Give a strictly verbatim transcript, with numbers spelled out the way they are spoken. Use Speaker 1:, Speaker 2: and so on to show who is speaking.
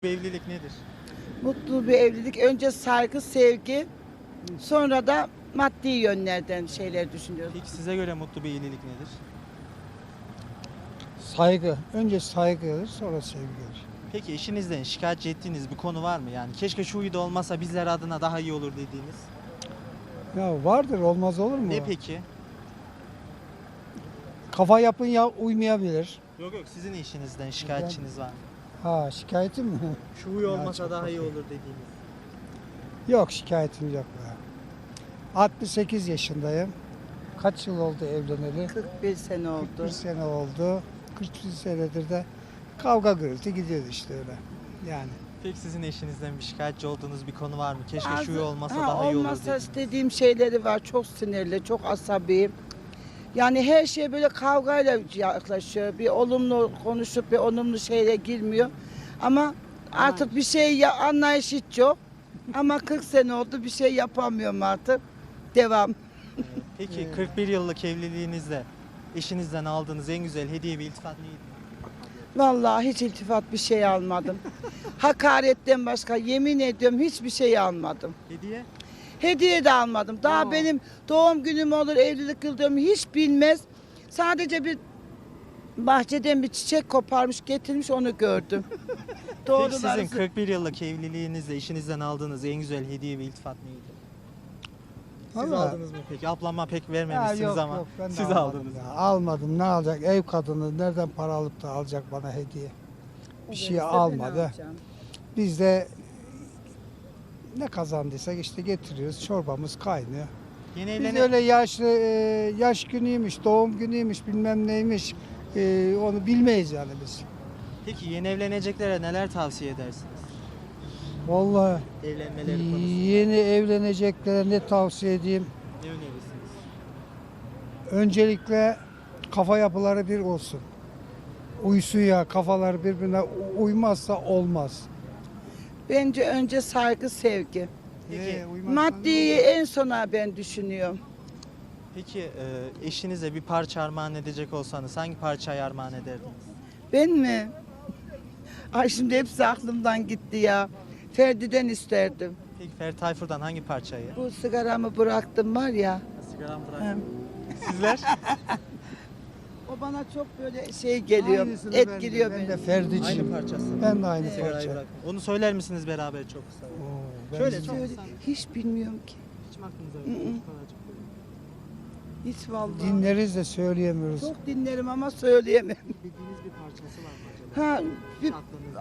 Speaker 1: Bir evlilik nedir?
Speaker 2: Mutlu bir evlilik. Önce saygı, sevgi, sonra da maddi yönlerden şeyler düşünüyoruz.
Speaker 1: Peki size göre mutlu bir evlilik nedir?
Speaker 3: Saygı. Önce saygı gelir, sonra sevgi gelir.
Speaker 1: Peki eşinizden şikayetçi ettiğiniz bir konu var mı? Yani keşke şu huyu da olmasa bizler adına daha iyi olur dediğiniz.
Speaker 3: Ya vardır, olmaz olur mu?
Speaker 1: Ne peki?
Speaker 3: Kafa yapın ya uymayabilir.
Speaker 1: Yok yok, sizin eşinizden şikayetçiniz var mı?
Speaker 3: Ha, şikayetim mi?
Speaker 1: Şu huyu
Speaker 3: Ya
Speaker 1: olmasa
Speaker 3: çok
Speaker 1: daha iyi
Speaker 3: okey.
Speaker 1: olur dediğiniz.
Speaker 3: Yok, şikayetim yok. be. altmış sekiz yaşındayım. Kaç yıl oldu evleneli?
Speaker 2: kırk bir sene oldu.
Speaker 3: kırk bir sene oldu. kırk bir senedir de kavga gürültü gidiyordu işte öyle. Yani.
Speaker 1: Peki sizin eşinizden bir şikayetçi olduğunuz bir konu var mı? Keşke şu
Speaker 2: Bazı-
Speaker 1: huyu olmasa
Speaker 2: ha,
Speaker 1: daha iyi olur
Speaker 2: olmasa
Speaker 1: dediğiniz.
Speaker 2: istediğim şeyleri var. Çok sinirli, çok asabi. Yani her şeye böyle kavgayla yaklaşıyor. Bir olumlu konuşup bir olumlu şeyle girmiyor. Ama artık bir şey ya, anlayış hiç yok. Ama kırk sene oldu, bir şey yapamıyorum artık. Devam.
Speaker 1: Peki kırk bir yıllık evliliğinizde eşinizden aldığınız en güzel hediye ve iltifat neydi?
Speaker 2: Vallahi hiç iltifat bir şey almadım. Hakaretten başka yemin ediyorum hiçbir şey almadım.
Speaker 1: Hediye?
Speaker 2: Hediye de almadım. Daha
Speaker 1: Aa.
Speaker 2: benim doğum günüm olur, evlilik yıl dönümü hiç bilmez. Sadece bir bahçeden bir çiçek koparmış, getirmiş onu gördüm.
Speaker 1: Peki sizin
Speaker 2: Doğruları.
Speaker 1: kırk bir yıllık evliliğinizde eşinizden aldığınız en güzel hediye ve iltifat neydi? Siz
Speaker 3: Ama-
Speaker 1: aldınız mı peki? Ablama pek
Speaker 3: Ya
Speaker 1: vermemişsiniz
Speaker 3: yok,
Speaker 1: ama
Speaker 3: yok, ben de
Speaker 1: siz
Speaker 3: almadım
Speaker 1: aldınız.
Speaker 3: ya. Almadım, ne alacak? Ev kadını nereden para alıp da alacak bana hediye? Bir şey almadı. Biz de ne kazandıysak işte getiriyoruz. Çorbamız kaynıyor.
Speaker 1: Yeni
Speaker 3: Biz
Speaker 1: evlenen...
Speaker 3: öyle yaşlı e, yaş günüymüş, doğum günüymüş, bilmem neymiş e, onu bilmeyiz yani biz.
Speaker 1: Peki yeni evleneceklere neler tavsiye edersiniz?
Speaker 3: Vallahi
Speaker 1: Evlenmeleri konusunda
Speaker 3: yeni evleneceklere ne tavsiye edeyim?
Speaker 1: ne önerirsiniz?
Speaker 3: Öncelikle kafa yapıları bir olsun. Uysun ya, kafalar birbirine uymazsa olmaz.
Speaker 2: Bence önce saygı, sevgi.
Speaker 1: Peki,
Speaker 3: Ee, uymazsa
Speaker 2: Maddiyi
Speaker 3: ne olur?
Speaker 2: en sona ben düşünüyorum.
Speaker 1: Peki e, eşinize bir parça armağan edecek olsanız hangi parçayı armağan ederdiniz?
Speaker 2: Ben mi? Ay şimdi hepsi aklımdan gitti ya. Ferdi'den isterdim.
Speaker 1: Peki Ferdi Tayfur'dan hangi parçayı?
Speaker 2: Bu sigaramı bıraktım var ya.
Speaker 1: Sigaram bırak.
Speaker 2: Hem.
Speaker 1: Sizler?
Speaker 2: O bana çok böyle şey geliyor,
Speaker 3: Aynısını
Speaker 2: etkiliyor
Speaker 3: ben de,
Speaker 2: beni.
Speaker 3: ben de Ferdi için.
Speaker 1: Aynı parçası.
Speaker 3: Ben de aynı
Speaker 1: Sigarayı
Speaker 3: parça.
Speaker 1: bırak. Onu söyler misiniz beraber çok kısa?
Speaker 3: Oo, ben
Speaker 1: Şöyle
Speaker 3: de-
Speaker 1: çok
Speaker 2: Söyle,
Speaker 1: kısa.
Speaker 2: hiç bilmiyorum ki.
Speaker 1: Hiç mi aklınıza
Speaker 2: Hı hı.
Speaker 1: yok? Şu kadarcık böyle.
Speaker 2: Hiç vallahi.
Speaker 3: dinleriz de söyleyemiyoruz.
Speaker 2: Çok dinlerim ama söyleyemem.
Speaker 1: Bildiğiniz bir parçası var mı acaba?
Speaker 2: Ha, bir,
Speaker 1: Aklınızda.